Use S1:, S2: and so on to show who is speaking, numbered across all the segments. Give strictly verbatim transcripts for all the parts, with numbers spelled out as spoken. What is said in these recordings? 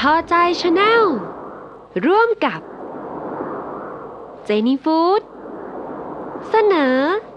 S1: พอใจชาแนลร่วมกับเจนี่ฟู้ดเสนอ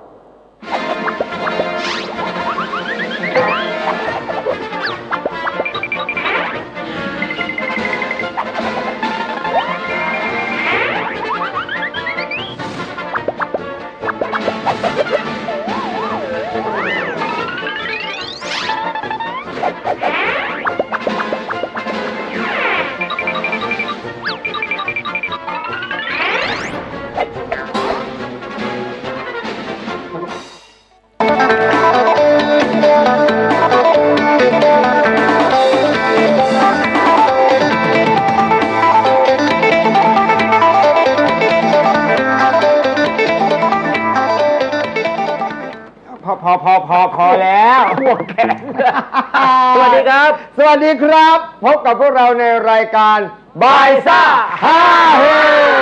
S2: พอพอพอพอพอแล้วหัวแขนสวัสดีครับสวัสดีครับพบกับพวกเราในรายการบายซ่าฮาเฮ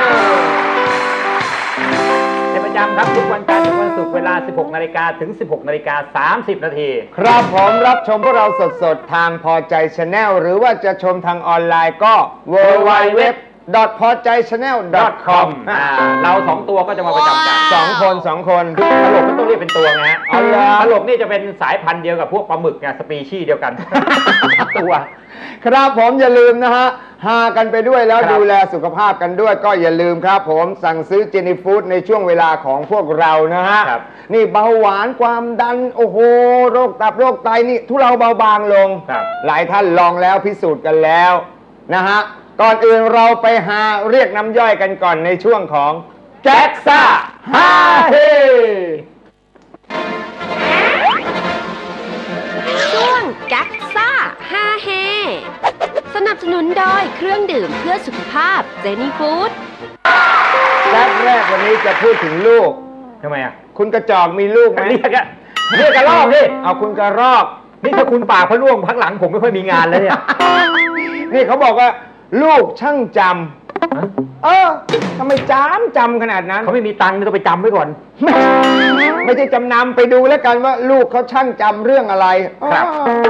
S2: เป็นประจำครับทุกวันจันทร์ถึงวันศุกร์เวลา สิบหกนาฬิกา ถึง สิบหกนาฬิกาสามสิบ นาทีครับผมรับชมพวกเราสดๆทางพอใจชาแนลหรือว่าจะชมทางออนไลน์ก็ ดับเบิลยู ดับเบิลยู ดับเบิลยู ดับเบิลยู ดอท พอใจชาแนล ดอท คอม
S3: เราสองตัวก็จะมาประจำกัน
S2: สองคนสองคน
S3: ตลกไม่ต้องเรียกเป็นตัวไงฮะ
S2: อ๋อเหรอ
S3: ตลกนี่จะเป็นสายพันธุ์เดียวกับพวกปลาหมึกไงสปีชีส์เดียวกัน ตัว
S2: ครับผมอย่าลืมนะฮะหากันไปด้วยแล้ว
S3: ครับ
S2: ดูแลสุขภาพกันด้วยก็อย่าลืมครับผมสั่งซื้อเจนี่ฟู้ดในช่วงเวลาของพวกเรานะฮะ
S3: ครับ
S2: นี่เบาหวานความดันโอ้โหโรคตับโรคไตนี่ทุเลาเบาบางลง
S3: ครับ
S2: หลายท่านลองแล้วพิสูจน์กันแล้วนะฮะก่อนอื่นเราไปหาเรียกน้ำย่อยกันก่อนในช่วงของแจ็คซ่าฮาเฮ
S1: ช่วงกักซ่าฮาเฮสนับสนุนโดยเครื่องดื่มเพื่อสุขภาพเจนี่ฟู้ด
S2: แจ็คแรกวันนี้จะพูดถึงลูก
S3: ทำไมอ่ะ
S2: คุณกระจอกมีลูกไหม
S3: เรียกอะเรียกกระรอกนี่
S2: เอาคุณกระรอก
S3: นี่ถ้าคุณปากพะล่วงพักหลังผมไม่ค่อยมีงานแล้วเนี่ย
S2: นี่เขาบอกว่าลูกช่างจำเออทำไมจำจำขนาดนั้น
S3: เขาไม่มีตังค์ต้องไปจำไว้ก่อน
S2: ไม่ไม่ใช่จำนำไปดูแล้วกันว่าลูกเขาช่างจำเรื่องอะไร
S3: ครับ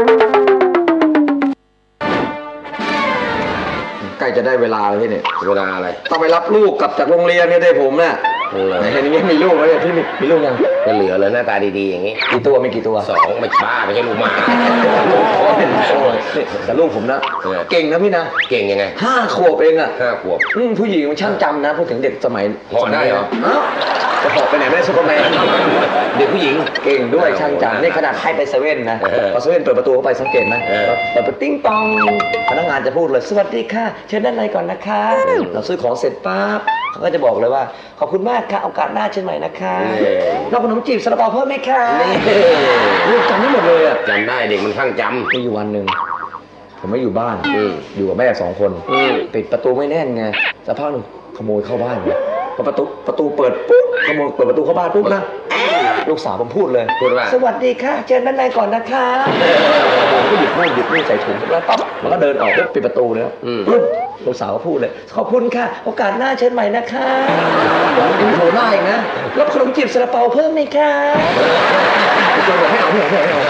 S4: ใกล้จะได้เวลาแล้วพี่เนี่ย
S5: เวลาอะไร
S4: ต้องไปรับลูกกลับจากโรงเรียนเนี่ยได้ผมเนี่ย
S5: เออ
S4: ไหนอย่างนี้มีลูกแล้วเนี่ยพี่มีมีลูกยัง
S5: จะเหลือเลยหน้าตาดีๆอย่างนี้
S4: กี่ตัวมีกี่ตัว
S5: สองไม่บ้าไม่ใช่ลูกหมา
S4: โอ้ยนี่แต่ลูกผมนะ
S5: เออ
S4: เก่งนะพี่นะ
S5: เก่งยังไง
S4: ห้าขวบเองอ่ะ
S5: ห้าขวบ
S4: อืมผู้หญิงมันช่างจำนะพูดถึงเด็กสมัย
S5: เหาะได้เหรอ
S4: อ้าวจะเหาะไปไหนไม่ได้ซุปเปอร์แมน
S5: เด็กผู้หญิง
S4: เก่งด้วยช่างจำ
S5: โอ้โห
S4: นี่ขนาดให้ไปเซเว่นนะ
S5: เออ
S4: พอเซเว่นเปิดประตูเข้าไปสังเกตไหม
S5: เออ
S4: เปิดประตูติ้งตองพนักงานจะพูดเลยสวัสดีค่ะเชิญด้านในก่อนนะคะ เราซื้อของเสร็จปั๊บเขาก็จะบอกเลยว่าขอบคุณมากค่ะโอกาสหน้าเชิญใหม่นะคะเราขนมจีบซาลาเปาเพิ่มไหมคะ
S5: นี่
S4: ลูกจำได้หมดเลยอ่ะ
S5: จำได้เด็กมันข้างจ
S4: มีอยู่วันหนึ่งผมไม่อยู่บ้าน
S5: อืม
S4: อยู่กับแม่สองคน
S5: อืม
S4: ปิดประตูไม่แน่นไงสักพักหนึ่งขโมยเข้าบ้านเลยพอประตูประตูเปิดปุ๊บขโมยเปิดประตูเข้าบ้านปุ๊บนะลูกสาวผมพูดเลย
S5: พูดว่า
S4: สวัสดีค่ะเชิญด้านในก่อนนะคะผมก็หยิบนู่นหยิบนี่ใส่ถุงแล้วปั๊บแล้วก็เดินออกปุ๊บปิดประตูเลย
S5: อืม
S4: ปุ๊บลูกสาวก็พูดเลยขอบคุณค่ะโอกาสหน้าเชิญใหม่นะคะยังโผล่หน้าอีกนะรับขนมจีบซาลาเปาเพิ่มไหมคะจนบอกให้เอาไม่เอาไม่เอาไม่เอา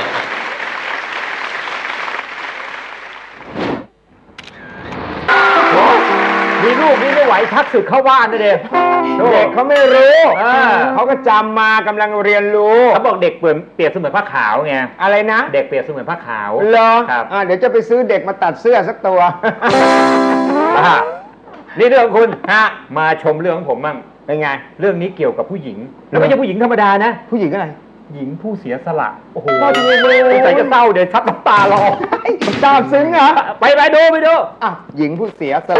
S3: มีลูกนี่ไม่ไหวชักศึกเข้าบ้านนะเด็ก
S2: เด็กเขาไม่รู้
S3: อ่า
S2: เขาก็จำมากำลังเรียนรู้
S3: เขาบอกเด็กเปรียบเปรียบเสมือนผ้าขาวไง
S2: อะไรนะ
S3: เด็กเปรียบเสมือนผ้าขาว
S2: เหรอ
S3: ครับ
S2: อ่าเดี๋ยวจะไปซื้อเด็กมาตัดเสื้อสักตัว
S3: อ่านี่เรื่องของคุณฮะมาชมเรื่องของผมบ้าง
S2: เป็นไง
S3: เรื่องนี้เกี่ยวกับผู้หญิง แล้วไม่ใช่ผู้หญิงธรรมดานะ
S2: ผู้หญิงอะไร
S3: หญิงผู้เสียสละโอ้โห
S2: โอ้โห
S3: สงสัยจะเศร้าเดี๋ยวชักน้ำตารอ
S2: ทราบซึ้งเหรอ
S3: ไปไปดูไปดู
S2: อ่ะหญิงผู้เสียสละ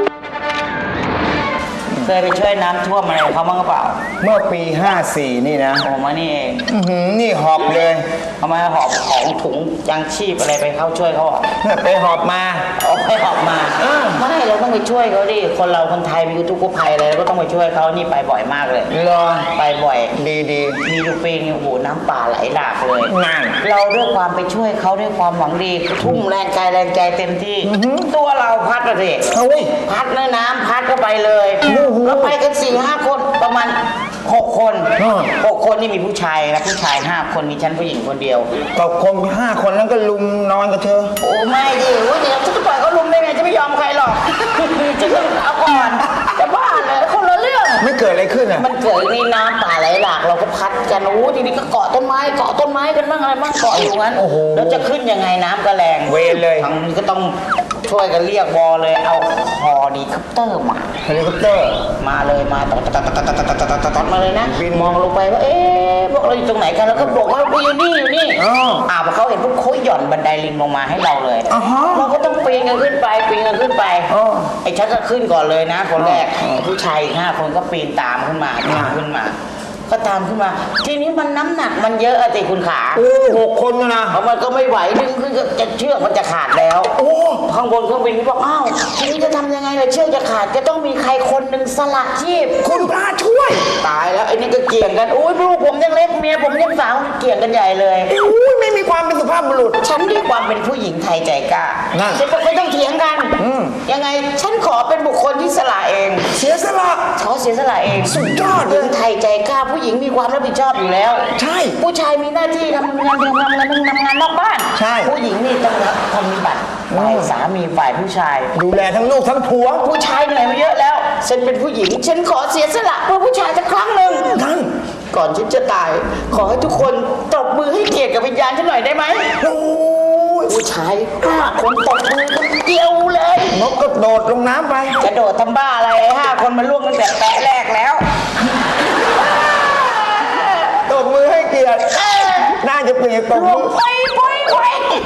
S6: เคยไปช่วยน้ำท่วมอะไรเขาบ้างหรือเปล่า
S7: เมื่อปี ห้าสี่ นี่นะ
S6: โอ้มานี่เอง
S7: อื้อหือนี่หอบเลย
S6: ทำไมหอบของถุงยังชีพอะไรไปเข้าช่วยเขาอ่ะ
S7: ไปหอบมา
S6: เอาไปหอบมาไม่เราต้องไปช่วยเขาดิคนเราคนไทยมีทุกข์ภัยอะไรเราก็ต้องไปช่วยเขานี่ไปบ่อยมากเลย
S7: รอ
S6: ไปบ่อย
S7: ดีดี
S6: มีทุกปีนี่โอ้โหน้ำป่าไหลหลากเลย
S7: นั่น
S6: เราด้วยความไปช่วยเขาด้วยความหวังดีทุ่มแรงกายแรงใจเต็มที่ ตัวเราพัดมาสิ
S7: เฮ้ย
S6: พัดเลยน้ำพัดก็ไปเลย
S7: โอ้โห
S6: แล้วไปกันสี่ห้าคนประมาณหกคน
S7: อืม
S6: หกคนนี่มีผู้ชายนะผู้ชายห้าคนมีฉันผู้หญิงคนเดียว
S7: ก็คงห้าคนแล้วก็ลุมนอนกับเธอ
S6: โอ้ไม่ดิว่าเดี๋ยวฉันจะปล่อยเขาลุมได้ไงฉัน
S7: กิดอะไรขึ้นอ่ะ
S6: มันเกิดนี่น้ำป่าไหลหลากเราก็พัดกันโอ้ทีนี้ก็เกาะต้นไม้เกาะต้นไม้กันบ้างอะไรบ้างเกาะอยู่งั้น
S7: โอ้โห
S6: แล้วจะขึ้นยังไงน้ำก็แรง
S7: เวรเลย
S6: ทางนี้ก็ต้องช่วยกันเรียกวอเลยเอาฮอดีคอปเตอร์มา
S7: เฮลิคอปเตอร์
S6: มาเลยมาตอดตอดตอดตอดตอดตอดตอดมาเลยนะ
S7: บิน
S6: มองลงไปว่าเอ๊ะพวกเราอยู่ตรงไหนกันแล้วก็บอกว่าอยู่นี่อยู่นี่
S7: อ๋อ
S6: อ่าพอเขาเห็นพวกเขาหย่อนบันไดลิงลงมาให้เราเลย
S7: อ่าฮะ
S6: เราก็ต้องปีนกันขึ้นไปปีนกันขึ้นไป
S7: อ๋อ
S6: ไอ้ชักก็ขึ้นก่อนเลยนะ คนแรก
S7: อ๋อ
S6: ไอ้ผู้ชายอีกห้าคนก็ปีนตามขึ้นมาตามขึ้นมา ก็ตามขึ้นมา ทีนี้มันน้ำหนักมันเยอะอะสิคุณขา
S7: โอ้หกคนนะ
S6: เพราะมันก็ไม่ไหวดึงขึ้นก็จะเชือกมันจะขาดแล้ว
S7: โอ้
S6: ข้างบนเครื่องบินก็บอกอ้าวทีนี้จะทำยังไงล่ะเชือกจะขาดจะต้องมีใครคนหนึ่งสละชีพ
S7: คุณพระช่วย
S6: ตายแล้วไอ้นี่ก็เกี่ยงกันอุ้ยลูกผมยังเล็กเมียผมยังสาวเกี่ยงกันใหญ่เลย
S7: อุ้ยไม่มีความเป็นสุภาพบุรุษ
S6: ฉันด้วยความเป็นผู้หญิงไทยใจกล้า
S7: นั่น
S6: ฉันก็ไม่ต้องเถียงกัน
S7: อืม
S6: ยังไงฉันขอเป็นบุคคลที่สละเอง
S7: เสียสละ
S6: เขาเสียสละเอง
S7: สุดยอดเลย
S6: เรื่องไทยใจกล้าผู้หญิงมีความรับผิดชอบอยู่แล้ว
S7: ใช่
S6: ผู้ชายมีหน้าที่ทำงานทำงานทำงานทำงานนอกบ้าน
S7: ใช่
S6: ผู้หญิงนี่ต้องรับปฏิบัติฝ่ายสามีฝ่ายผู้ชาย
S7: ดูแลทั้งลูกทั้งผัว
S6: ผู้ชายเหนื่อยมาเยอะแล้ว ฉันเป็นผู้หญิง ฉันขอเสียสละเพื่อผู้ชายสักครั้งหนึ่ง
S7: นั่น
S6: ก่อนฉันจะตาย ขอให้ทุกคนตบมือให้เกียรติกับวิญญาณฉันหน่อยได้ไหม
S7: โอ้ย
S6: ผู้ชายห้าคนตบมือกันเดียวเลย
S7: นกก็โดดลงน้ำไป
S6: กระโดดทำบ้าอะไรห้าคนมันล่วงตั้งแต่แปะแรกแล้ว
S7: ตบมือให้เกียรติน่าจะเปลี่ยนตบ
S6: ล่ว
S7: มื
S6: ง
S7: อ
S6: ไปไปไป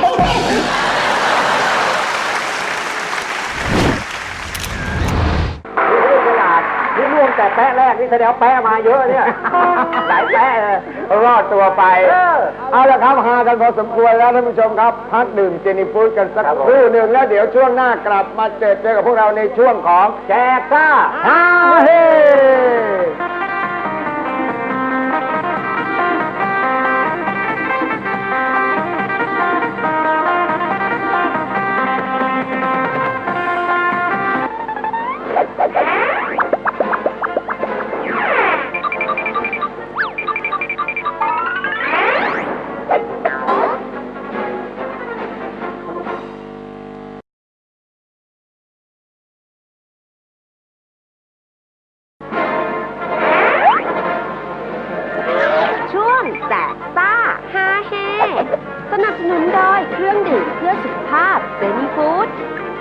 S3: ขนาดนี่ล่วงแต่แปะแรกนี่แสดงว่าแปะมาเยอะเนี่ย หลายแปะเลย
S2: รอดตัวไป
S3: เออ
S2: เอาละครับหากันพอสมควรแล้วท่านผู้ชมครับ พักดื่มเจนี่ฟูดกันสักครู่หนึ่งแล้วเดี๋ยวช่วงหน้ากลับมาเจอเจอกับพวกเราในช่วงของแจกซ่าฮาเฮ
S1: ช่วงแจกซ่าฮาเฮสนับสนุนโดยเครื่องดื่มเพื่อสุขภาพเซนีฟู้ด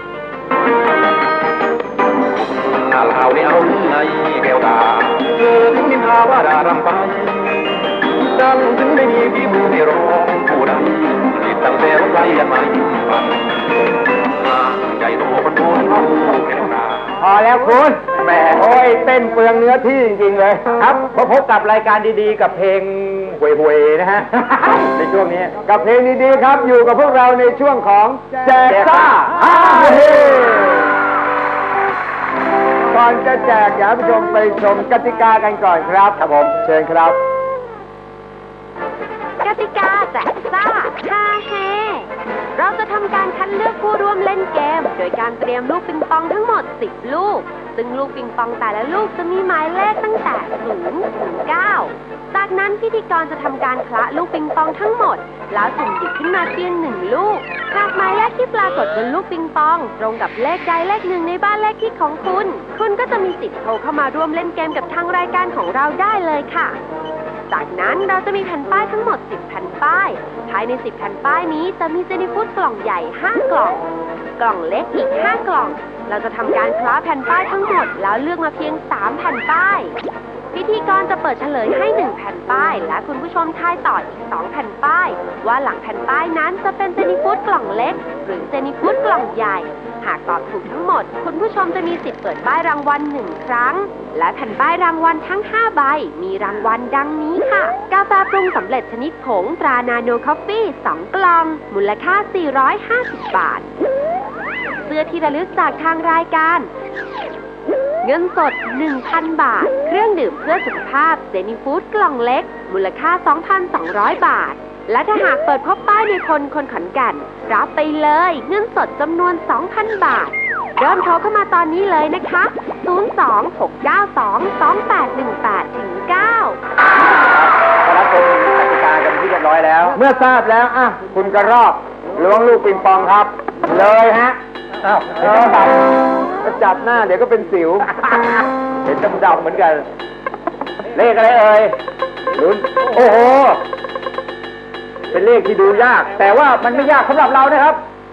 S8: ข่าวข่าวในเอาในแก้วตาเธอถึงนินทาว่าดารำไปดังถึงไม่มีฝีมือให้ร้องผู้ใดติดตั้งแต่รถไฟยันมายิ่งฟังใจโตคนโตเอาแก้วตา
S2: พอแล้วคุณแหมโอ้ยเต้นเปลืองเนื้อที่จริงๆเลย
S3: ครับพบพบกับรายการดีๆ กับเพลงห่วยๆนะฮะ ในช่วงนี้
S2: กับเพลงดีๆครับ อยู่กับพวกเราในช่วงของแจกซ่าฮาเฮก่อนจะแจกอยากให้ผู้ชมไปชมกติกากันก่อนครับครับผมเชิญครับ
S1: กติกาแจกซ่าฮาเฮเราจะทำการคัดเลือกผู้ร่วมเล่นเกม โดยการเตรียมลูกปิงปองทั้งหมดสิบลูก ซึ่งลูกปิงปองแต่ละลูกจะมีหมายเลขตั้งแต่ศูนย์ถึงเก้าจากนั้นพิธีกรจะทำการคละลูกปิงปองทั้งหมด แล้วสุ่มหยิบขึ้นมาเพียงหนึ่งลูก หากหมายเลขที่ปรากฏบนลูกปิงปอง ตรงกับเลขใดเลขหนึ่งในบ้านเลขที่ของคุณ คุณก็จะมีสิทธิ์โทรเข้ามาร่วมเล่นเกมกับทางรายการของเราได้เลยค่ะ จากนั้นเราจะมีแผ่นป้ายทั้งหมดสิบแผ่นป้าย ภายในสิบแผ่นป้ายนี้จะมีเจนี่ฟู้ดกล่องใหญ่ห้ากล่อง กล่องเล็กอีกห้ากล่อง เราจะทำการคล้าแผ่นป้ายทั้งหมดแล้วเลือกมาเพียงสามแผ่นป้าย พิธีกรจะเปิดเฉลยให้หนึ่งแผ่นป้าย และคุณผู้ชมทายต่ออีกสองแผ่นป้าย ว่าหลังแผ่นป้ายนั้นจะเป็นเจนี่ฟู้ดกล่องเล็ก หรือเจนี่ฟู้ดกล่องใหญ่ หากตอบถูกทั้งหมด คุณผู้ชมจะมีสิทธิ์เปิดป้ายรางวัลหนึ่งครั้ง และแผ่นป้ายรางวัลทั้งห้าใบ มีรางวัลดังนี้ค่ะ กาแฟปรุงสำเร็จชนิดผงตรานาโนคอฟฟี่สองกล่อง มูลค่าสี่ร้อยห้าสิบบาท เสื้อที่ระลึกจากทางรายการ เงินสด หนึ่งพัน บาท เครื่องดื่มเพื่อสุขภาพเจนี่ฟู้ดกล่องเล็ก มูลค่า สองพันสองร้อย บาท และถ้าหากเปิดพบป้ายในคนคนขอนแก่นรับไปเลยเงินสดจำนวน สองพัน บาท เริ่มโทรเข้ามาตอนนี้เลยนะคะ ศูนย์ สอง หก เก้า สอง สอง แปด หนึ่ง แปด เก้า
S3: ขอรับชมกติกากันที่เรียบร้อยแล้ว
S2: เมื่อทราบแล้วอ่ะคุณกระรอกล้วงลูกปิงปองครับ เลยฮะ
S3: อ้าว
S2: เออจับหน้าเดี๋ยวก็เป็นสิว
S3: เห็นดำๆเหมือนกันเลขอะไรเอ่ยลุ้นโอ้โหเป็นเลขที่ดูยาก แต่ว่ามันไม่ยากสำหรับเรานะครับ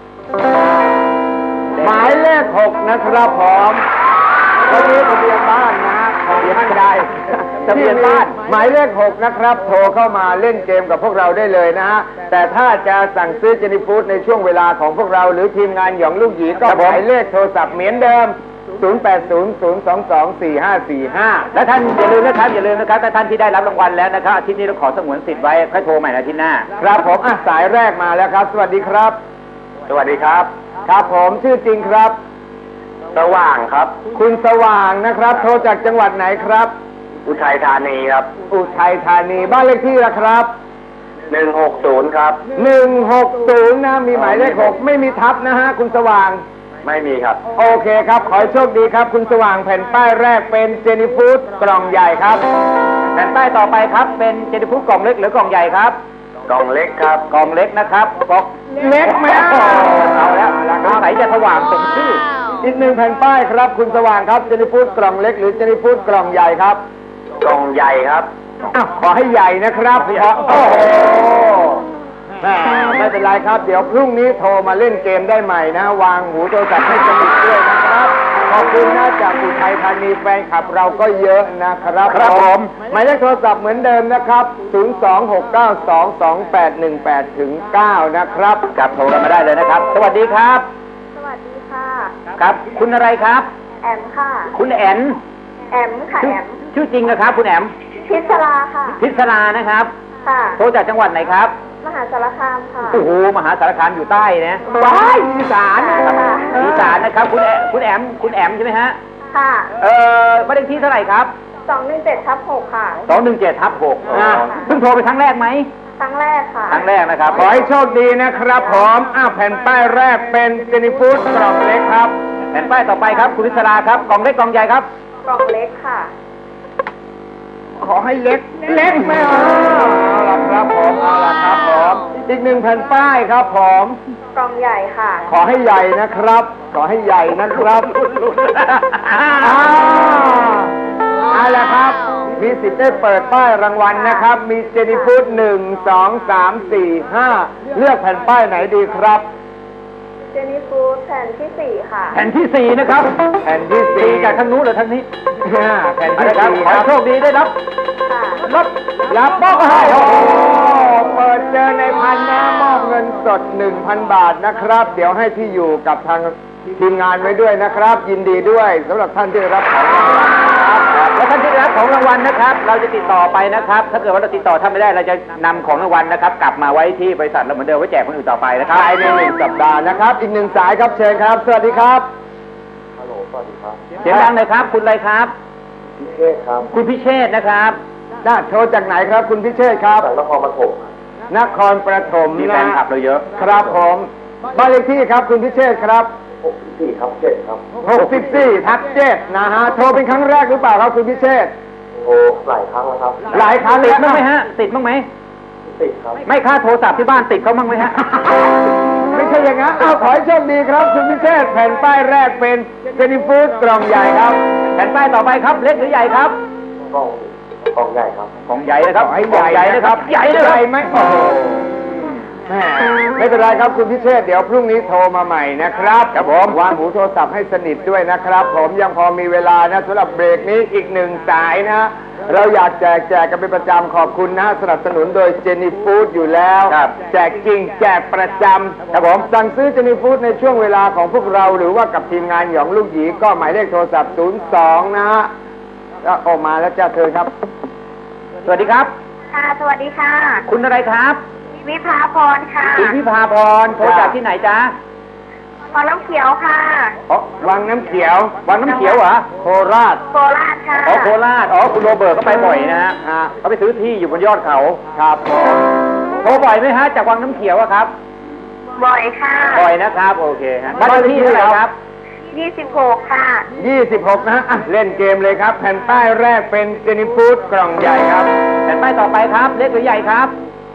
S2: หมายเลขหกนะครับผมวันนี้ทะเบียนบ้านนะฮะทะเบียนใดทะเบียนบ้านหมายเลขหกนะครับโทรเข้ามาเล่นเกมกับพวกเราได้เลยนะฮะแต่ถ้าจะสั่งซื้อเจนิฟูดในช่วงเวลาของพวกเราหรือทีมงานหยองลูกหยีก็หมายเลขโทรศัพท์เหมือนเดิมศูนย์ แปด ศูนย์ ศูนย์ สอง สอง สี่ ห้า สี่ ห้า
S3: และท่านอย่าลืมนะครับอย่าลืมนะครับถ้าท่านที่ได้รับรางวัลแล้วนะครับอาทิตย์นี้เราขอสงวนสิทธิ์ไว้ค่อยโทรใหม่อาทิตย์หน้า
S2: ครับผมอ่ะสายแรกมาแล้วครับ สวัสดีครับ
S3: สวัสดีครับ
S2: ครับผมชื่อจริงครับ
S3: สว่างครับ
S2: คุณสว่างนะครับ โทรจากจังหวัดไหนครับ
S3: อุทัยธานีครับ
S2: อุทัยธานีบ้านเลขที่ละครับ
S3: หนึ่งหกศูนย์ครับ
S2: หนึ่งหกศูนย์นะมีหมายเลขหกไม่มีทับนะฮะคุณสว่าง
S3: ไม่มีครับ
S2: โอเคครับ ขอให้โชคดีครับ คุณสว่างแผ่นป้ายแรกเป็นเจนิฟูดกล่องใหญ่ครับ
S3: แผ่นป้ายต่อไปครับเป็นเจนิฟูดกล่องเล็กหรือกล่องใหญ่ครับกล่องเล็กครับกล่องเล็กนะครับกล่อง
S2: เล็กไหม
S3: เอาแล้วสงสัยจะสว่างสมชื่อ
S2: อีกหนึ่งแผ่นป้ายครับ คุณสว่างครับเจนิฟูดกล่องเล็กหรือเจนิฟูดกล่องใหญ่ครับ
S3: กล่องใหญ่ครับ
S2: อ้าวขอให้ใหญ่นะครับขอโอ้โหแม่ไม่เป็นไรครับ เดี๋ยวพรุ่งนี้โทรมาเล่นเกมได้ใหม่นะ วางหูโทรศัพท์ให้สนิทด้วยนะครับ ขอบคุณนะจากอุทัยธานีแฟนคลับเราก็เยอะนะครับ
S3: ครับผม
S2: หมายเลขโทรศัพท์เหมือนเดิมนะครับ ศูนย์ สอง หก เก้า สอง สอง แปด หนึ่ง แปด ถึง เก้า นะครับ
S3: กับโทรกันมาได้เลยนะครับ สวัสดีครับ
S9: สวัสดีค่ะ
S3: ครับ คุณอะไรครับ
S9: แอมค่ะ
S3: คุณแอน
S9: แอมค่ะ
S3: ชื่อ
S9: แอม
S3: ชื่อจริงนะครับ คุณแอม
S9: พิศราค่ะ
S3: พิศรานะครับ
S9: ค่ะ
S3: โทรจากจังหวัดไหนครับ
S9: มหาสารคามค่ะ
S3: โอ้โหมหาสารคามอยู่ใต้นะ
S2: ว้ายอีสาน
S9: ค่ะ
S3: อีสานนะครับ คุณแอมคุณแอมคุณแอมใช่ไหมฮะ
S9: ค่ะ
S3: เอ่อบ้านเลขที่เท่าไหร่ครับ
S9: สองหนึ่งเจ็ดทับหกค่ะ
S3: สองหนึ่งเจ็ดทับหก
S9: อ่า
S3: เพิ่งโทรไปครั้งแรกไหม
S9: ครั้งแรกค่ะ
S3: ครั้งแรกนะครับ
S2: ขอให้โชคดีนะครับผมอ้าวแผ่นป้ายแรกเป็นเจนิฟูดกล่องเล็กครับ
S3: แผ่นป้ายต่อไปครับ คุณพิศราครับ กล่องเล็กกล่องใหญ่ครับ
S9: กล่องเล็กค่ะ
S2: ขอให้เล็ก เล็กไม่เอาเอาละครับผมเอาละครับผมอีกหนึ่งแผ่นป้ายครับผม
S9: กล่องใหญ่ค่ะ
S2: ขอให้ใหญ่นะครับ ขอให้ใหญ่นะครับอ้าวเอาละครับ มีสิทธิ์ได้เปิดป้ายรางวัลนะครับ มีเจนิฟูดหนึ่งสองสามสี่ห้าเลือกแผ่นป้ายไหนดีครับ
S9: เจนี่ฟูดแผ่นที่สี่ค่ะ
S3: แผ่นที่สี่นะครับ
S2: แผ่นที่
S3: สี่
S2: สี่
S3: จากทางนู้นหรือทางนี้
S2: แผ่น
S3: เอา
S2: ที่
S3: ละครับ
S2: สี่
S3: ขอ
S2: ค
S3: ให้
S2: รับ
S3: โชคดีได้รับ
S9: ค่ะ
S3: รถ
S2: รับมอบให้โอ้โหเปิดเจอในพันนะมอบเงินสด หนึ่งพัน บาทนะครับ เดี๋ยวให้ที่อยู่กับทางทีมงานไว้ด้วยนะครับ ยินดีด้วยสำหรับท่านที่ได้รับของรางวัลนะครับ
S3: และท่านที่ได้รับของรางวัลนะครับ เราจะติดต่อไปนะครับ ถ้าเกิดว่าเราติดต่อท่านไม่ได้เราจะนำของรางวัลนะครับ กลับมาไว้ที่บริษัทเราเหมือนเดิมไว้แจกคนอื่นต่อไปนะครับ
S2: ภายในหนึ่งสัปดาห์นะครับ อีกหนึ่งสายครับเชิญครับ สวัสดีครับ
S3: เสียงดังเลยครับ คุณอะไรครับ
S8: พิเชษครับ
S3: คุณพิเชษนะครับ
S2: น่าโทรจากไหนครับ คุณพิเชษครับ
S8: จากนครปฐม
S2: นครปฐม
S3: มีแฟนคลับเราเยอะ
S2: ครับผมบ้านเลขที่ครับคุณพิเชษครับ
S8: หกสิบสี่ทับเจ็ดครับ
S2: หกสิบสี่ทับเจ็ดนะฮะ โทรเป็นครั้งแรกหรือเปล่าครับคุณพิเชษ
S8: โอ้หลายครั้งแล้วครับ
S2: หลายครั้ง
S3: ติด
S2: แล้ว
S3: บ้างไหมฮะ ติดบ้างไหม
S8: ติดครับ
S3: ไม่ค่าโทรศัพท์ที่บ้านติดเขาบ้างไหมฮะ
S2: ไม่ใช่อย่างนั้นเอาขอให้โชคดีครับ คุณพิเชษแผ่นป้ายแรกเป็นเจนิฟูดกล่องใหญ่ครับ
S3: แผ่นป้ายต่อไปครับ เล็กหรือใหญ่ครับ
S8: กล้องกล้องใหญ่ครับ
S3: ของใหญ่นะครับ
S2: ขอให้
S3: ของ
S2: ใหญ่
S3: นะครับ ใหญ่นะค
S2: ให
S3: รับ
S2: ญ่ไหมโอ้โหแม่ไม่เป็นไรครับคุณพิเชษเดี๋ยวพรุ่งนี้โทรมาใหม่นะครับครับผมวางหูโทรศัพท์ให้สนิทด้วยนะครับ ผมยังพอมีเวลานะสำหรับเบรกนี้อีกหนึ่งสายนะ เราอยากแจกแจกกันเป็นประจำขอบคุณนะสนับสนุนโดยเจนี่ฟู้ดอยู่แล้ว
S3: ครับ
S2: แจกจริงแจกประจำครับผมสั่งซื้อเจนี่ฟู้ดในช่วงเวลาของพวกเราหรือว่ากับทีมงานหยองลูกหยีก็หมายเลขโทรศัพท์ศูนย์สองนะฮะแล้วออกมาแล้วจ้าเธอครับ
S3: สวัสดีครับ
S9: ค่ะ สวัสดีค่ะ
S3: คุณอะไรครับ
S9: วิภาพรค่ะ
S3: คุณพิพาพรโทรจากที่ไหนจ๊ะ
S9: พอน้ำเขียวค่ะ
S3: อ๋อ
S2: วังน้ำเขียว
S3: วังน้ำเขียวเหรอ
S2: โคราช
S9: โคราชค่ะ
S3: อ๋อโคราช อ๋อ คุณโรเบิร์ตก็ไปบ่อยนะฮะอ่าเขาไปซื้อที่อยู่บนยอดเขา
S2: ครับผม
S3: โทรบ่อยไหมฮะ จากวังน้ำเขียวอะครับ
S9: บ่อยค่ะ
S3: บ่อยนะครับ โอเคฮะบ้านเลขที่เท่าไหร่ครับ
S9: ยี่สิบหกค่ะ
S2: ยี่สิบหกนะฮะอ่ะเล่นเกมเลยครับ แผ่นป้ายแรกเป็นเจนี่ฟู้ดกล่องใหญ่ครับ
S3: แผ่นป้ายต่อไปครับ เล็กหรือใหญ่ครับ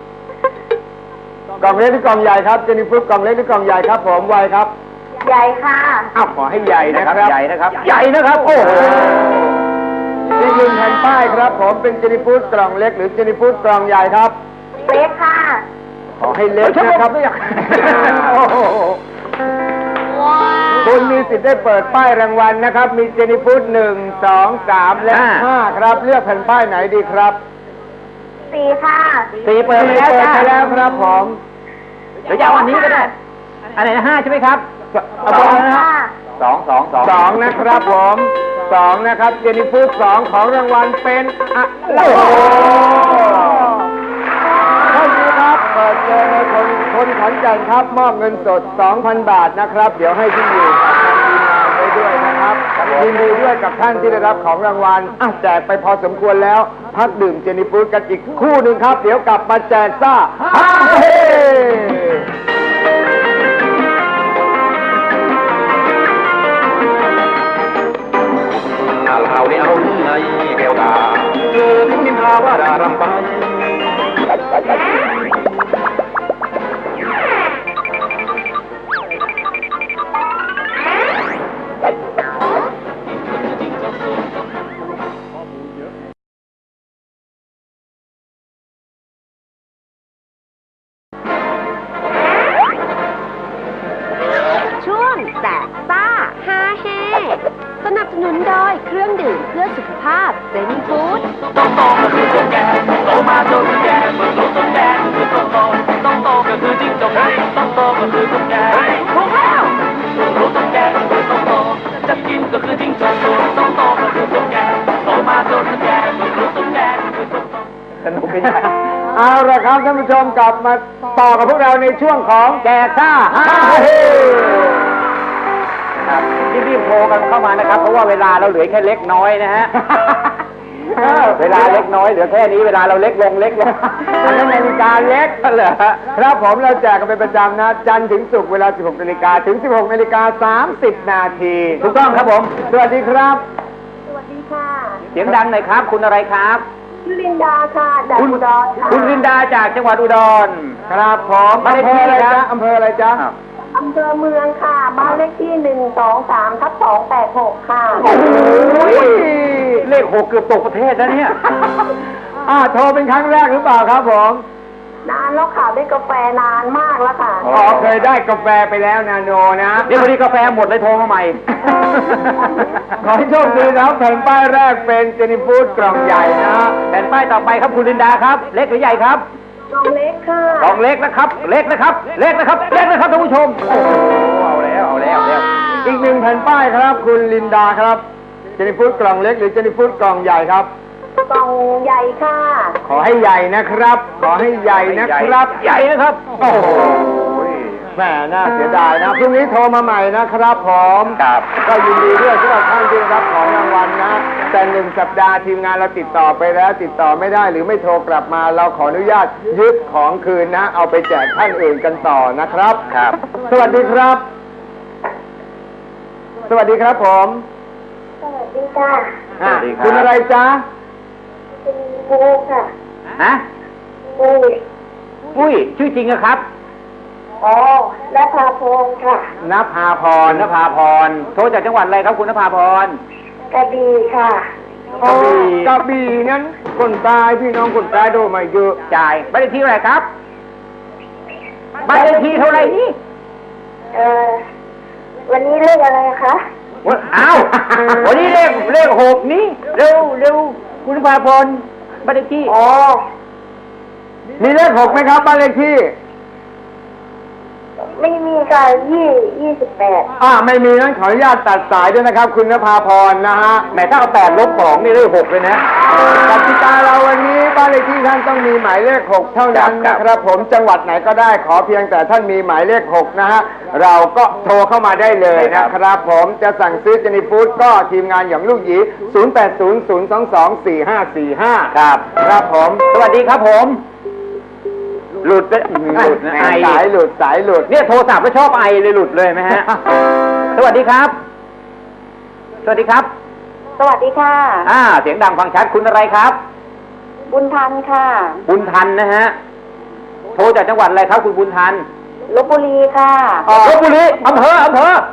S2: กล่องเล็กหรือกล่องใหญ่ครับเจนี่ฟู้ดกล่องเล็กหรือกล่องใหญ่ครับ ผมไวครับ
S9: ใหญ่ค่ะ
S2: อ้าวขอให้ใหญ่นะครับ
S3: ใหญ่นะครับ ใหญ่นะครับ โอ้โห
S2: อีกหนึ่งแผ่นป้ายครับผมเป็นเจนิฟูดกล่องเล็กหรือเจนิฟูดกล่องใหญ่ครับ
S9: เล็กค่ะ
S2: ขอให้เล็กนะครับโอ้โหคุณมีสิทธิ์ได้เปิดป้ายรางวัลนะครับ มีเจนิฟูดหนึ่งสองสามและห้าครับเลือกแผ่นป้ายไหนดีครับ
S9: สี่ค่ะ
S3: สี่เปิดไปแล้ว
S2: เปิด
S3: จ้า
S2: ไปแล้วครับผม
S3: เดี๋ยวจะเอาอันนี้ก็ได้อันไหนนะห้าใช่ไหมครับ
S2: เอา
S9: ส
S2: บ
S9: อ
S2: อก
S9: ง
S2: นะครั
S9: ค่ะ
S2: บ
S3: สองสองสอง
S2: สองนะครับผมสองนะครับเจนิฟูดสองของรางวัลเป็นอะไรท่านนี้ครับเปิดเจอในคนคนขอนแก่นครับมอบเงินสด สองพัน บาทนะครับ เดี๋ยวให้ที่อยู่กับทางทีมงานไว้ด้วยนะครับยินดีด้วยกับท่านที่ได้รับของรางวัลอ่ะแจกไปพอสมควรแล้ว พักดื่มเจนิฟูดกันอีกคู่หนึ่งครับ เดี๋ยวกลับมาแจกซ่าฮ่าเฮ
S8: ข่าวข่าวในอารมณ์ในแก้วตาเธอถึงนินทาว่าด่ารำไป
S1: ช่วงแจกซ่าฮาเฮสนับสนุนโดยเครื่องดื่มเพื่อสุขภาพเซนิฟู้ด
S10: ต้องโตก็คือตุ๊กแกโตมาจนแก่เมื่อรู้ตุ๊กแกคือต้องโตต้องโตก็คือจิ้งจกต้องโตก็คือตุ๊กแกถูกแล้วรู้ตุ๊กแกก็คือต้องโตจะกินก็คือจิ้งจกต้องโตก็คือตุ๊กแกโตมาจนแก่เมื่อรู้ตุ๊กแกคือต้องโต
S3: สนุกเป็นไง
S2: เอาละครับท่านผู้ชมกลับมาต่อกับพวกเราในช่วงของแจกซ่าฮ่าเฮ
S3: ครับรีบๆโทรกันเข้ามานะครับ เพราะว่าเวลาเราเหลือแค่เล็กน้อยนะฮะ เวลาเล็กน้อยเหลือแค่นี้เวลาเราเล็กลงเล็กลง
S2: อันนั้นนาฬิกาเล็กเหรอครับผมเราแจกกันเป็นประจำนะ จันทร์ถึงศุกร์เวลา สิบหกนาฬิกาถึง สิบหกนาฬิกาสามสิบนาที
S3: ถูกต้องครับผม
S2: สวัสดีครับ
S9: สวัสดีค่ะ
S3: เสียงดังหน่อยครับ คุณอะไรครับ
S9: ชื่อลินดาค่ะจาก
S3: คุณ
S9: อุดรค่ะ
S3: คุณรินดาจากจังหวัดอุดร
S2: ครับผม
S3: บ้านเลข
S2: อำเภ
S3: ที่
S2: ออะไร
S3: ครั
S2: จ๊ะ
S3: บ
S2: อำเภออะไรจ๊ะ
S9: อำเภอเมืองค่ะ บ้านเลขที่หนึ่งสองสามทับสองแปดหกค่ะ
S3: โอ้ยเลขหกเกือบตกประเทศแล้วเนี่ย
S2: อ่าโทรเป็นครั้งแรกหรือเปล่าครับผม
S9: นานแล้วค่ะได้กาแฟนานมากแล้วค่ะ
S2: อ๋อเคยได้กาแฟไปแล้วนาโนนะ
S3: นี่พอดีกาแฟหมดเลยโทรมาใหม่
S2: ขอให้โชคดีนะครับแผ่นป้ายแรกเป็นเจนิฟูดกล่องใหญ่นะ
S3: แผ่นป้ายต่อไปครับคุณลินดาครับ เล็กหรือใหญ่ครับ
S9: กล่องเล็กค่ะ
S3: กล่องเล็กนะครับ เล็กนะครับ เล็กนะครับ เล็กนะครับท่านผู้ชม โอ้โหเอาแล้วเอาแล้วเอาแล้ว
S2: อีกหนึ่งแผ่นป้ายครับ คุณลินดาครับเจนิฟูดกล่องเล็กหรือเจนิฟูดกล่องใหญ่ครับ
S9: กล่องใหญ่ค่ะ
S2: ขอให้ใหญ่นะครับ ขอให้ใหญ่นะครับ
S3: ใหญ่นะครับ
S2: โอ้โหแหมน่าเสียดายนะพรุ่งนี้โทรมาใหม่นะครับผม
S3: ครับ
S2: ก็ยินดีด้วยสำหรับท่านที่ได้รับของรางวัลนะ แต่หนึ่งสัปดาห์ทีมงานเราติดต่อไปแล้ว ติดต่อไม่ได้หรือไม่โทรกลับมา เราขออนุญาตยึดของคืนนะ เอาไปแจกท่านอื่นกันต่อนะครับ
S3: ครับ
S2: สวัสดีครับ สวัสดีครับผม
S9: สวัสดีค่ะ
S3: สวัสดีครับ
S2: คุณอะไรจ๊ะ
S9: เป็นบูค่ะ
S3: ฮะ
S9: บู
S3: ปุ้ยชื่อจริงอะครับ
S9: อ๋อและพาพงศ์ค่ะ
S2: นภาพ
S3: พ
S2: ร
S3: รนภาพร โทรจากจังหวัดอะไรครับคุณนภาพร
S9: กระดีค่ะ
S2: กระบี่กระบี่นั้นคนตายพี่น้องคนตายโดนมาเยอะ
S3: จ่ายบ้านเลขที่เท่าไหร่ครับบ้านเลขที่เท่าไหร่นี่
S9: เออวันนี้เลขอะไรคะ
S3: วันอ้าว วันนี้เลขเลขหกนี่เร็วเร็วคุณนภาพรบ้านเลขที่
S9: อ๋อ
S2: มีเลขหกไหมครับบ้านเลขที่
S9: ไม่มีค่ะยี่ยี่สิบแปด
S2: อ่าไม่มีนั้นขออนุญาตตัดสายด้วยนะครับ คุณนภาพรนะฮะ
S3: แหมถ้าเอาแปดลบสองนี่เลขหกเลยนะ
S2: กติกาเราวันนี้บ้านเลขที่ท่านต้องมีหมายเลขหกเท่านั้น
S3: ครับ
S2: นะครับ ผมจังหวัดไหนก็ได้ขอเพียงแต่ท่านมีหมายเลขหกนะฮะเราก็โทรเข้ามาได้เลยนะครับ ผมจะสั่งซื้อเจนิฟูดก็ทีมงานอย่างลูกหยีศูนย์ แปด ศูนย์ ศูนย์ สอง สอง สี่ ห้า สี่ ห้า
S3: ครับ
S2: ครับผม
S3: สวัสดีครับผม หลุดไปหลุดนะไอ
S2: สายหลุดสายหลุด
S3: เนี่ยโทรศัพท์แล้วชอบไอเลยหลุดเลยไหมฮะ สวัสดีครับ สวัสดีครับ
S9: สวัสดีค่ะ
S3: อ่า เสียงดังฟังชัดคุณอะไรครับ
S9: บุญทันค่ะ
S3: บุญทันนะฮะ โทรจากจังหวัดอะไรครับคุณบุญทัน
S9: ลพบุรีค่ะ
S3: ลพบุรีอำเภออำเภอ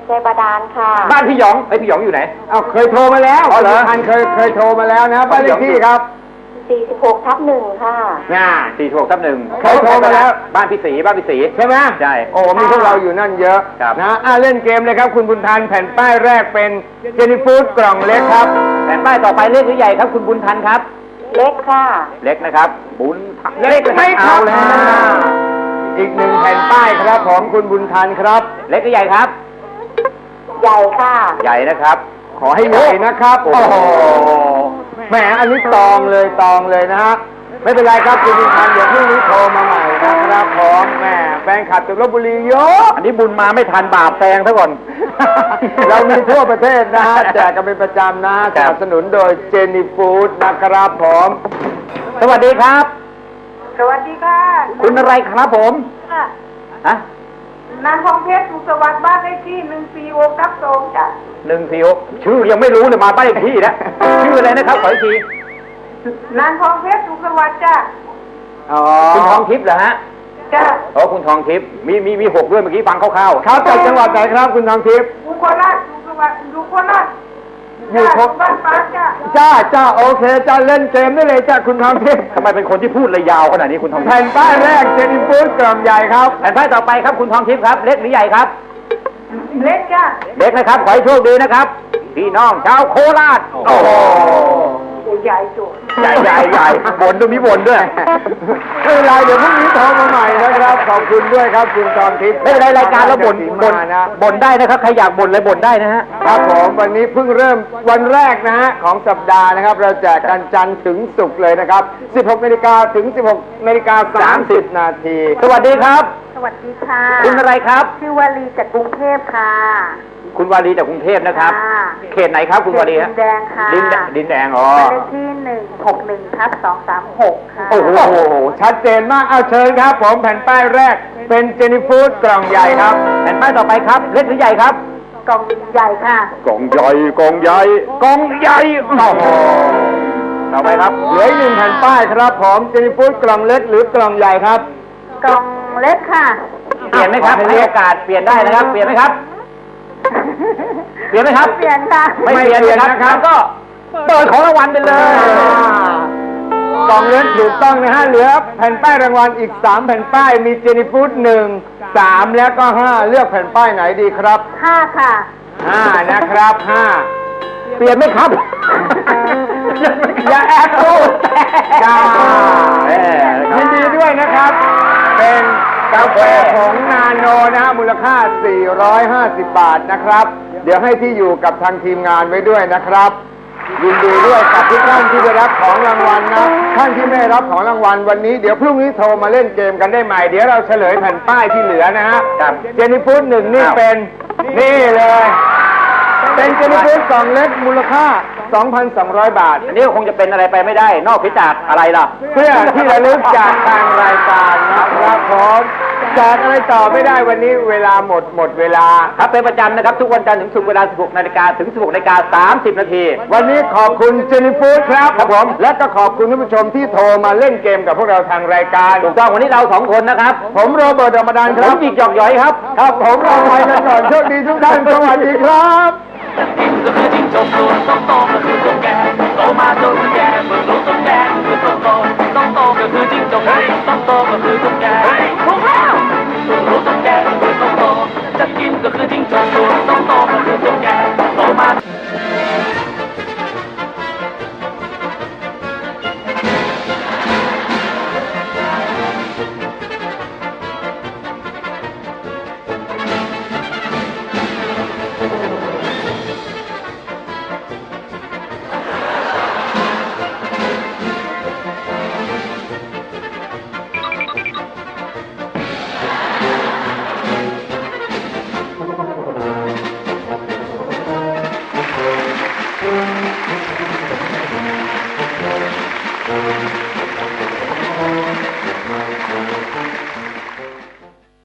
S9: ใจบาดาลค่ะ
S3: บ้านพี่หยองไอ้พี่หยองอยู่ไหน
S2: เอาเคยโทรมาแล้ว
S3: อ๋อเหรอ
S2: คุณพันธุ์เคยเคยโทรมาแล้วนะบ้านเลขที่ครับ
S9: สี่สิบหกทับหนึ่งค่ะ
S3: ง่าสี่หกทับหนึ่ง
S2: เคยโทรมาแล้ว
S3: บ้านพี่ศรีบ้านพี่ศรี
S2: ใช่ไหม
S3: ใช่
S2: โอ้มีพวกเราอยู่นั่นเยอะ
S3: ครับ
S2: นะอ่ะเล่นเกมเลยครับคุณบุญทันแผ่นป้ายแรกเป็นเจนี่ฟู้ดกล่องเล็กครับ
S3: แผ่นป้ายต่อไปเล็กหรือใหญ่ครับคุณบุญทันครับ
S9: เล็กค่ะ
S3: เล็กนะครับ บุญทัน
S2: เล็กไหมครั
S3: เอา
S2: บ
S3: แล้ว
S2: อีกหนึ่งแผ่นป้ายครับของคุณบุญทันครับ
S3: เล็กหรือใหญ่ครับ
S9: ใหญ่ค่ะ
S3: ใหญ่นะครับ
S2: ขอให้ใหญ่นะครับ โอ้โหแหมอันนี้ตองเลยตองเลยนะฮะไม่เป็นไรครับคุณบุญทันเดี๋ยวพรุ่งนี้โทรมาใหม่นะครับผมแหมแฟนคลับจากลพบุรีเยอะ
S3: อันนี้บุญมาไม่ทันบาปแซงซะก่อน
S2: เรามีทั่วประเทศนะฮะแจกกันเป็นประจำนะสนับสนุนโดยเจนี่ฟู้ดนะครับผม
S3: สวัสดีครับ
S9: สวัสดีค่ะ
S3: คุณอะไรครับผม
S9: ค่ะ
S3: ฮะ
S9: นางทองเพชรสุขสวัสดิ์บ้านเลขที่หนึ่งสี่หกทับสองจ้ะ
S3: หนึ่งสี่หกชื่อยังไม่รู้เลยมาบ้านเลขที่นะชื่ออะไรนะครับขออีกที
S9: นางทองเพชรสุขสวัสดิ์จ้ะ
S2: อ๋อ
S3: คุณทองทิพย์เหรอฮะ
S9: จ้ะ
S3: โอ้คุณทองทิพย์มีมีมีหกด้วยเมื่อกี้ฟังคร่าวๆ
S2: ครับจากจังหวัดไหนครับคุณทองทิพย์
S9: อยู่โคราชสุขสวัสดิ์อยู่โคราช
S2: อยู่โค
S9: บ้านปาจ้ะ
S2: จ้าจ้าโอเคจ้าเล่นเกมได้เลยจ้าคุณทองทิพย์
S3: ทำไมเป็นคนที่พูดระยาวขนาดนี้คุณทองทิพ
S2: แผ่น
S3: ย์
S2: ป้ายแรกเจนี่ฟู้ดกล่องใหญ่ครับ
S3: แผ่นป้ายต่อไปครับคุณทองทิพย์ครับเล็กหรือใหญ่ครับ
S9: เล็กจ้ะ
S3: เล็กนะครับขอให้โชคดีนะครับพี่น้องชาวโคราชโอ้โห
S9: ใหญ่จุ
S3: ใหญ่ใหญ่ใหญ่บนตรงนี้บนด้วย
S2: ไม่เป็นไรเดี๋ยวพรุ่งนี้โทรมาใหม่นะครับขอบคุณด้วยครับคุณทองทิพย์
S3: ไม่เป็นไรรายการเราบ่นบ่น
S2: มานะ
S3: บ่นได้นะครับใครอยากบ่นเลยบ่นได้นะฮะ
S2: ครับผมวันนี้เพิ่งเริ่มวันแรกนะฮะของสัปดาห์นะครับ เราแจกกันจันทร์ถึงศุกร์เลยนะครับ สิบหกนาฬิกาถึง สิบหกนาฬิกาสามสิบนาที
S3: สวัสดีครับ
S9: สวัสดีค่ะ
S3: คุณอะไรครับ
S9: ชื่อวารีจากกรุงเทพค่ะ
S3: คุณวารีจากกรุงเทพนะครับ
S9: ค่ะ
S3: เขตไหนครับคุณวารีฮะ
S9: ดินแดงค่ะ
S3: ดินแดงดินแดงอ๋อ
S9: บ้านเลขที่หนึ่งหกหนึ่งทับสองสามหกค่ะ
S2: โอ้โหชัดเจนมากเอาเชิญครับ ผมแผ่นป้ายแรกเป็นเจนี่ฟู้ดกล่องใหญ่ครับ
S3: แผ่นป้ายต่อไปครับเล็กหรือใหญ่ครับ
S9: กล่องใหญ่ค่ะ
S3: กองใหญ่กองใหญ่กองใหญ่โอ้โหต่อไปครับ
S2: เหลืออีกหนึ่งแผ่นป้ายครับผมเจนี่ฟู้ดกล่องเล็กหรือกล่องใหญ่ครับ
S9: กล่องเล็กค่ะ
S3: เปลี่ยนไหมครับให้โอกาสเปลี่ยนได้นะครับ เปลี่ยนไหมครับ เปลี่ยนไหมครับ
S9: เปลี่ยนค่ะ
S3: ไม่เปลี่ยนนะครับงั้นก็เปิดของรางวัลไปเลย
S2: กล่องเล็กถูกต้องนะฮะเหลือแผ่นป้ายรางวัลอีกสามแผ่นป้ายมีเจนี่ฟู้ดหนึ่งสามแล้วก็ห้าเลือกแผ่นป้ายไหนดีครับ
S9: ห้าค่ะ
S2: ห้านะครับห้า
S3: เปลี่ยนไหมครับ
S2: อย่าแอบดูจ้า
S3: แหม่
S2: ยินดีด้วยนะครับ เป็นกาแฟของนาโนนะฮะมูลค่า สี่ร้อยห้าสิบบาทนะครับ เดี๋ยวให้ที่อยู่กับทางทีมงานไว้ด้วยนะครับ ยินดีด้วยกับทุกท่านที่ได้รับของรางวัลนะท่านที่ไม่ได้รับของรางวัลวันนี้เดี๋ยวพรุ่งนี้โทรมาเล่นเกมกันได้ใหม่เดี๋ยวเราเฉลยแผ่นป้ายที่เหลือนะฮะเจนี่ฟู้ดหนึ่งนี่เป็นนี่เลย เป็นเจนี่ฟู้ดกล่องเล็กมูลค่า สองพันสองร้อย บาท
S3: อันนี้ก็คงจะเป็นอะไรไปไม่ได้ นอกจากอะไรล่ะ
S2: เพื่อที่ระลึกจากทางรายการนะครับผมจากอะไรต่อไม่ได้วันนี้เวลาหมดหมดเวลา
S3: ครับเป็นประจำนะครับทุกวันจันทร์ถึงศุกร์เวลา สิบหกนาฬิกาถึง สิบหกนาฬิกาสามสิบนาที
S2: วันนี้ขอบคุณเจนี่ฟู้ดครับครับผมและก็ขอบคุณท่านผู้ชมที่โทรมาเล่นเกมกับพวกเราทางรายการ
S3: ถูกต้องวันนี้เราสองคนนะครับ
S2: ผมโรเบิร์ตธรรมดานค
S3: ผ
S2: รั
S3: ม
S2: บ
S3: จิกหยอกหยอยครับ
S2: ครับผมเราไปกันก่อนโชคดีทุกท่านสวัสดีครับ
S10: ก็คือจิ้งจกส่วนต้องโตก็คือตุ๊กแกโตมาจนแก่เมื่อรู้ตุ๊กแกคือต้องโตต้องโตก็คือจิ้งจกต้องโตก็คือตุ๊กแก